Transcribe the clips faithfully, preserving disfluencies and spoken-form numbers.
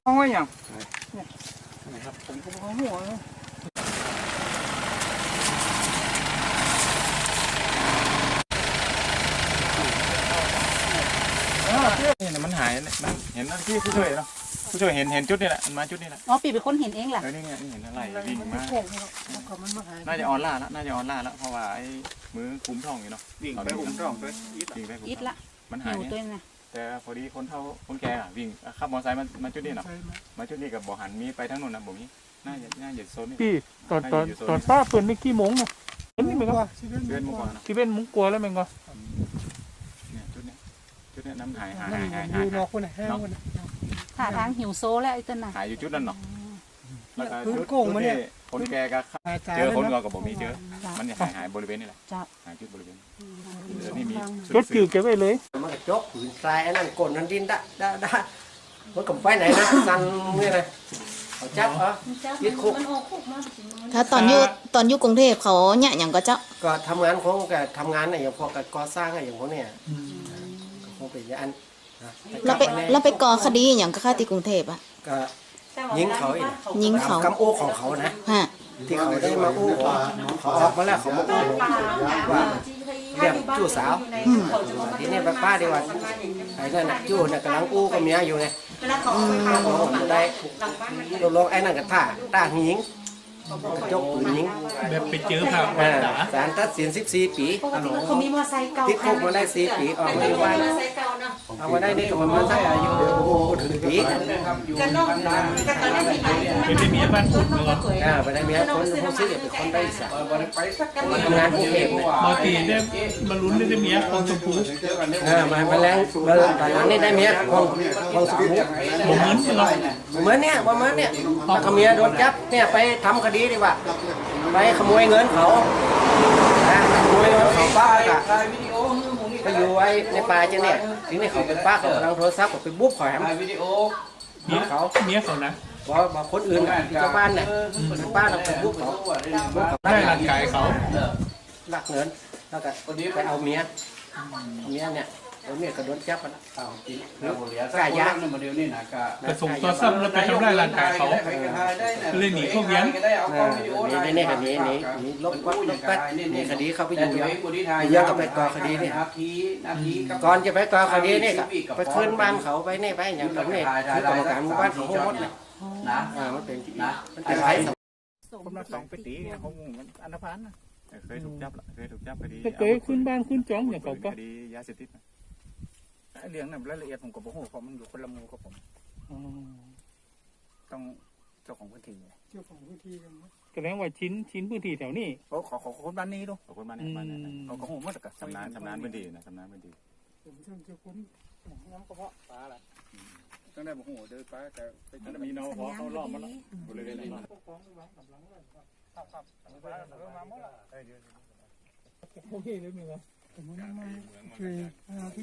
ห้อยอย่างนี่ครับผมก็หัวเลยนี่มันหายเห็นที่ผู้ช่วยเนาะผู้ช่วยเห็นเห็นจุดนี่แหละมันมาจุดนี่แหละอ๋อปีเป็นคนเห็นเองแหละเออนี่ไงนี่เห็นอะไรวิ่งมาน่าจะออนล่าแล้วน่าจะออนล่าแล้วเพราะว่าไอ้มือคุ้มท้องอยู่เนาะวิ่งไปอุ้มท้องไปวิ่งไปอิดละมันหายเนี่ยแต่พอดีคนเท่าคนแก่วิ่งขับมอเตอร์ไซค์มามาจุดนี้เนาะมาจุดนี้กับบ่อหันมีไปทั้งนู้นนะบ่มีน่าจะน่าจะโซนนี่พี่ตอนตอนตอนป้าเปิดไม่กี่โมงเนาะนี่มันก็เว้นมุกกว่าที่เป็นมุกกลัวแล้วมันก็เนี่ยจุดนี้จุดนี้น้ำหายหายหายหายหายนอกคนไหนแห้งคนไหนท่าทางหิวโซแล้วไอ้ต้นน่ะหายอยู่จุดนั้นเนาะแล้วก็จุดที่คนแก่ก็เจอคนก็กับบ่มีเจอมันเนี่ยหายหายบริเวณนี่แหละหายจุดบริเวณเดี๋ยวนี้มีรถจืดเก็บไว้เลยมันจกผืนทรายนั่นกลนนั่นดินได้ได้ได้มันกับไฟไหนนะสั่นนี่นะเขาจับเหรอยึดคุกถ้าตอนอยู่ตอนอยู่กรุงเทพเขาเนี่ยอย่างก็เจ้าก็ทำงานของก็ทำงานเนี่ยอย่างพวกก่อสร้างอย่างพวกเนี่ยคงเป็นอย่างนั้นเราไปเราไปก่อคดีอย่างก็ค่าที่กรุงเทพอ่ะก็ยิงเขาอีกยิงเขากำอู้ของเขานะที่เขาได้มาอู้เขาออกมาแล้วเขามาอู้ว่าเรียกจู่สาวทีนี้ป้าดีว่าไอ้นั่นน่ะจู่น่ะกำลังอู้กับเมียอยู่ไงผมได้ลงไอ้นั่นกับท่าท่าหิงยกปืนยิงแบบไปเจอครับศาลตัดสินสิบสี่ปีติดคุกมาได้สี่ปีออกมาได้เอามาได้นี่ก็ประมาณสักอายุถึงปีเป็นได้เมียบ้านคุณเลยอ่าเป็นได้เมียคนผู้ซื้อเป็นคนได้สักมาทำงานกรุงเทพมาตีได้มาลุ้นได้เมียของชมพูอ่ามามาแรงมาตอนนั้นนี่ได้เมียของของชมพูเหมือนเราเหมือนเนี่ยประมาณเนี่ยถ้าเมียโดนจับเนี่ยไปทำคดีดีกว่าไปขโมยเงินเขาขโมยเงินเขาป้าก็ไปอยู่ไว้ในป่าเจ้าเนี่ยทีนี้เขาเป็นป้าเขากำลังโทรศัพท์เขาไปบุ๊บเขาแหมเมียเขาเมียเขานะบอกบอกคนอื่นชาวบ้านเนี่ยป้าเราไปบุ๊บเขาได้ร่างกายเขาลักเงินแล้วก็ไปเอาเมียเมียเนี่ยเอาเมียก็โดนจับแล้วเอากายยักษ์กระส่งตัวซ้ำแล้วไปทำร้ายร่างกายเขาเลยหนีเข้าเลี้ยงนี่นี่คดีนี้นี่ลบวัดลบกัดนี่คดีเขาไปอยู่เยอะเยอะกับไปก่อคดีนี่ก่อนจะไปก่อคดีนี่ไปคืนบ้านเขาไปนี่ไปอย่างแบบนี้คือกรรมการหมู่บ้านเขาหมดเลยนะมันเป็นนะมันเป็นไรผมนักสองปีเขางงอันธพาลนะเคยถูกจับละเคยถูกจับคดีเคยขึ้นบ้านขึ้นจ้องอย่างเขาก็คดียาเสพติดเรื่องนั้นรายละเอียดผมกับผมผมมันอยู่คนละมูกับผมต้องเจ้าของพื้นที่เจ้าของพื้นที่กันแสดงว่าชิ้นชิ้นพื้นที่แถวนี้ขอขอขอคนบ้านนี้ดูขอคนบ้านนี้บ้านนั้นเขาก็โหมดกับชำนาญชำนาญพื้นที่นะชำนาญพื้นที่ผมเชื่อเจ้าคุณน้ำกระเพาะปลาอะไรตั้งแต่ผมโหเดินไปแต่ไปมีน้องเขาเขาล้อมมันบริเวณนี้ครับครับมาหมดละโอเคเลยมีไหมผมไม่มาคือที่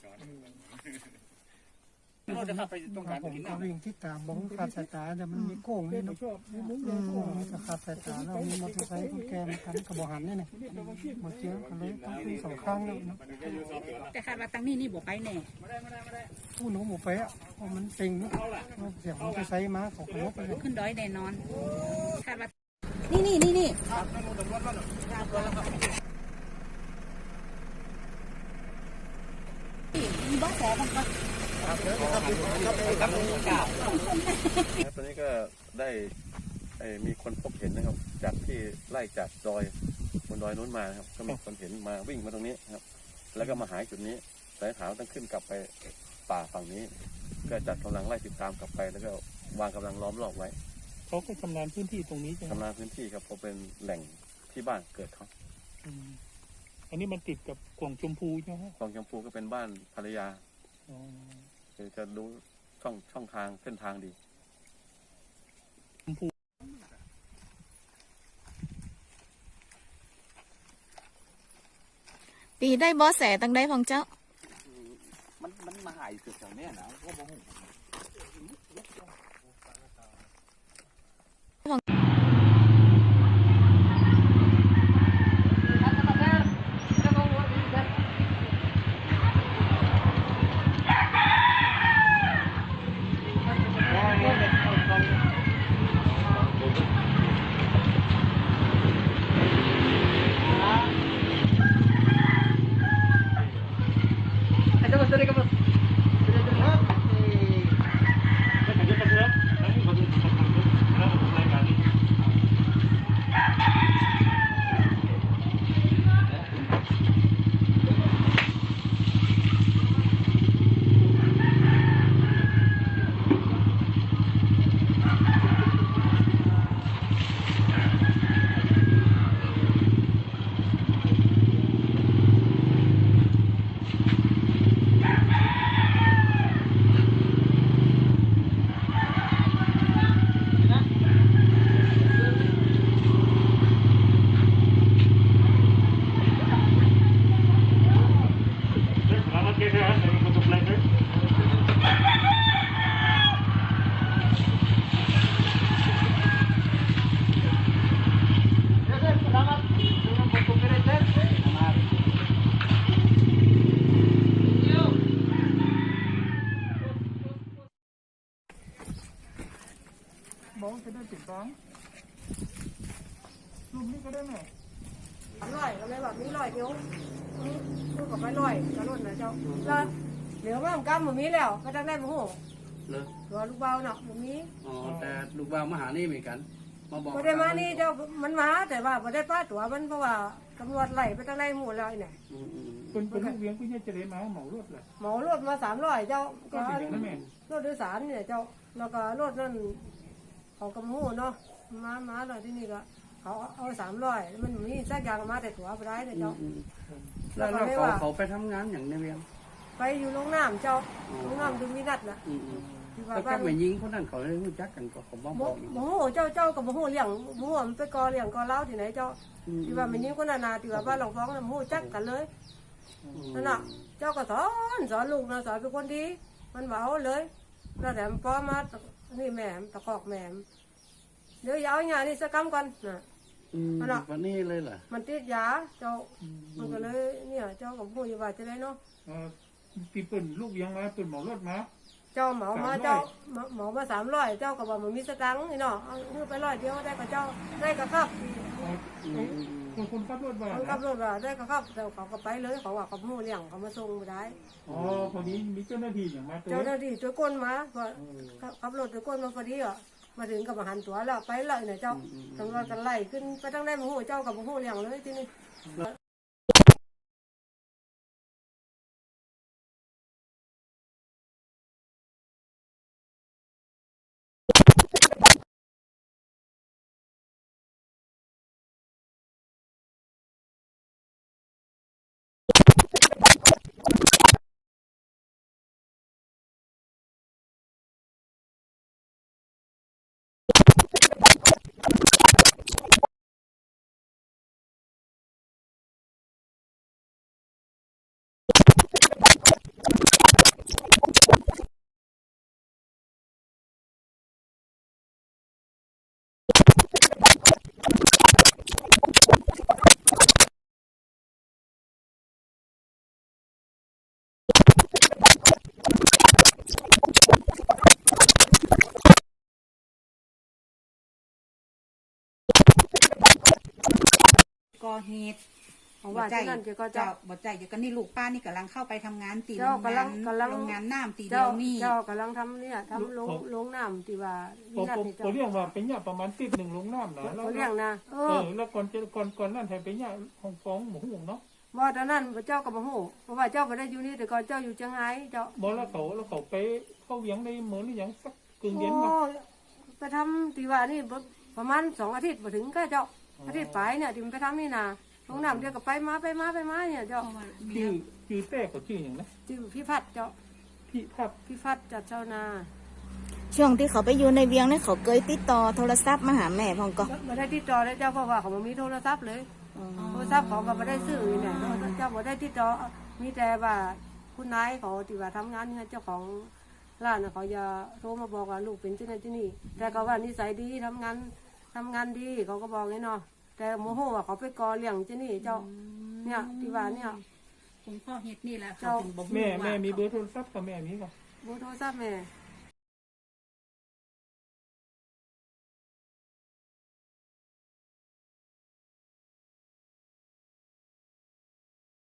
เราจะขับไปตรงกลางผมก็วิ่งที่ตามมองขาดสายตาแต่มันมีโค้งนี่นะจะขาดสายตาเรามีมอเตอร์ไซค์คนแก่มาทันกระบอกหันนี่นะมาเจอกันเลยต้องคุยสองข้างแล้วนะแต่คาดว่าตั้งนี่นี่บอกไปแน่ผู้หนูหมูไปอ่ะเพราะมันเต็งเสียงมอเตอร์ไซค์มาของรถไปขึ้นดอยแน่นอนคาดว่านี่นี่นี่นี่มีบ้าแสบ้างปะตอนนี้ก็ได้มีคนพบเห็นนะครับจากที่ไล่จากดอยบนดอยนู้นมาครับก็มีคนเห็นมาวิ่งมาตรงนี้ครับแล้วก็มาหายจุดนี้สายขาวต้องขึ้นกลับไปป่าฝั่งนี้ก็จัดกำลังไล่ติดตามกลับไปแล้วก็วางกำลังล้อมรอบไว้เขาก็ชำนาญพื้นที่ตรงนี้ใช่ไหมชำนาญพื้นที่ครับเพราะเป็นแหล่งที่บ้านเกิดเขาอันนี้มันติดกับกล่องชมพูใช่ไหมกล่องชมพูก็เป็นบ้านภรรยาจะรู้ช่องช่องทางเส้นทางดีปีได้บอสแสตั้งได้พองเจ้ามันมันมาหายเกิดแถวนี้นะก็บ่หูบ้องจะได้ติดบ้องรูปนี้ก็ได้ไหมลอยก็เลยแบบมีลอยเดียวพูดกับไม่ลอยกระลุ่นนะเจ้าแล้วเหลือว่ามันกำมันมีแล้วก็ต้องได้มาหูเลยตัวลูกเบาเนาะมันมีอ๋อแต่ลูกบ่าวมาหานี่เหมือนกัน มาบอกพอได้มานี่เจ้ามันมาแต่ว่าพอได้ป้าตัวมันเพราะว่าตำรวจไล่ไปตั้งไล่หมู่แล้วเนี่ยอืมอืมเป็นเป็นลูกเลี้ยงพี่เนี่ยจะได้มาเหมารถเลยหมอรถมาสามร้อยเจ้าก็ก็เป็นอย่างนั้นแม่รถโดยสารเนี่ยเจ้าแล้วก็รถนั่นเขากำหูเนาะมามาหน่อยที่นี่ก็เขาเอาสามร้อยมันมีสักอย่างมาแต่ตัวไปได้เนี่ยเจ้าอืมแล้วแล้วเขาเขาไปทำงานอย่างในเวียงไปอยู่โรงน้ำเจ้าโรงน้ำดูมีนัดน่ะอืมอืมที่ว่าแล้วก็บ้านไม่ยิงคนนั้นเขาเลยรู้จักกันก็เขาบอกโมบอกโมโหเจ้าเจ้ากับโมโหเลี้ยงโมโหมันไปกอเลี้ยงกอเล้าที่ไหนเจ้าที่ว่ามันยิ่งคนนานาที่ว่าบ้านหลวงฟ้องน่ะโมโหจักกันเลยนั่นน่ะเจ้าก็สอนสอนลูกนะสอนเป็นคนดีมันเบาเลยแล้วแต่พอมานี่แม่ตะคอกแม่เดี๋ยวยาวอย่างนี้สักคำก่อนน่ะอืมวันนี้เลยเหรอมันติดยาเจ้ามันก็เลยเนี่ยเจ้ากับผู้อยู่ว่าจะได้เนาะที่เป็นลูกเลี้ยงมาเป็นเหมารถมาเจ้าเหมามาเจ้าเหมามาสามร้อยเจ้าก็บอกมันมีสตังค์นี่เนาะเอาซื้อไปร้อยเดียวได้กับเจ้าได้กับครับคนคนขับรถมาเขาขับรถว่าได้กับครับแต่เขาก็ไปเลยเขาว่าเขาผู้เลี้ยงเขามาส่งมาได้อ๋อพอดีมีเจ้าหน้าที่อย่างมาตัวเจ้าหน้าที่ตัวก้นมาพอขับรถตัวก้นมาพอดีอ่ะมาถึงกับมาหันตัวแล้วไปเลยเนี่ยเจ้าตำรวจกันไล่ขึ้นไปตั้งได้มาหูเจ้ากับมาหูเลี้ยงเลยที่นี่ก่อเหตุของว่าที่นั่นจะก็เจ้าบ่ใจอยู่กันนี่ลูกป้านี่กำลังเข้าไปทำงานตีโรเจ้าง กำลังาง นกำลังโรงงานน้ำตีเดีเจ้ายวนี่เจ้ากำลังทำเนี่ยทำลงลงน้ำที่ว่าผมนัดผมนี่เขาเจ้าเรียกว่าเป็นเนี่ยประมาณติดหนึ่งลงน้ำนะแล้วเขาเลี้ยงนะเอเอออแล้วก่อนจะก่อนก่อนนั่นไทยเป็นเนี่ยของฟ้องหมูหงเนาะว่าตอนนั้นเจ้ากับมาหูเพราะว่าเจ้าไม่ได้อยู่นี่แต่ก่อนเจ้าอยู่เชียงรายเจ้าบอกแล้วเขาแล้วเขาไปเข้าเลี้ยงในเหมือนหรือยังสักกึ่งโอ้เดือนมาไปทำที่ว่านี่ประมาณสองอาทิตย์มาถึงก็เจ้าอาทิตย์ไปเนี่ยที่มันไปทำนี่นาลงน้ำเดียวกับไปมาไปมาไปมาเนี่ยเจ้าชื่อชื่อแต่เขาชื่ออย่างนะที่พี่พัดเจ้าพี่ทับพี่พัดจัดเจ้านาช่วงที่เขาไปอยู่ในเวียงเนี่ยเขาเคยติดต่อโทรศัพท์มาหาแม่พองก็ไม่ได้ติดต่อเลยเจ้าเพราะว่าเขาไม่มีโทรศัพท์เลยโทรศัพท์เขาก็ไม่ได้ซื้อเนี่ยเจ้าไม่ได้ติดต่อมีแต่ว่าคุณนายเขาที่ว่าทำงานเนี่ยเจ้าของร้านน่ะเขาจะโทรมาบอกว่าลูกเป็นที่นั่นที่นี่แต่เขาว่านิสัยดีทำงานทำงานดีเขาก็บอกงี้เนาะแต่โมโหว่าเขาไปกอเลี้ยงที่นี่เจ้าเนี่ยที่ว่าเนี่ยผมข้อเหตุนี่แหละเจ้าถึงบอกแม่แม่มีเบอร์โทรศัพท์กับแม่มีก่ะเบอร์โทรศัพท์แม่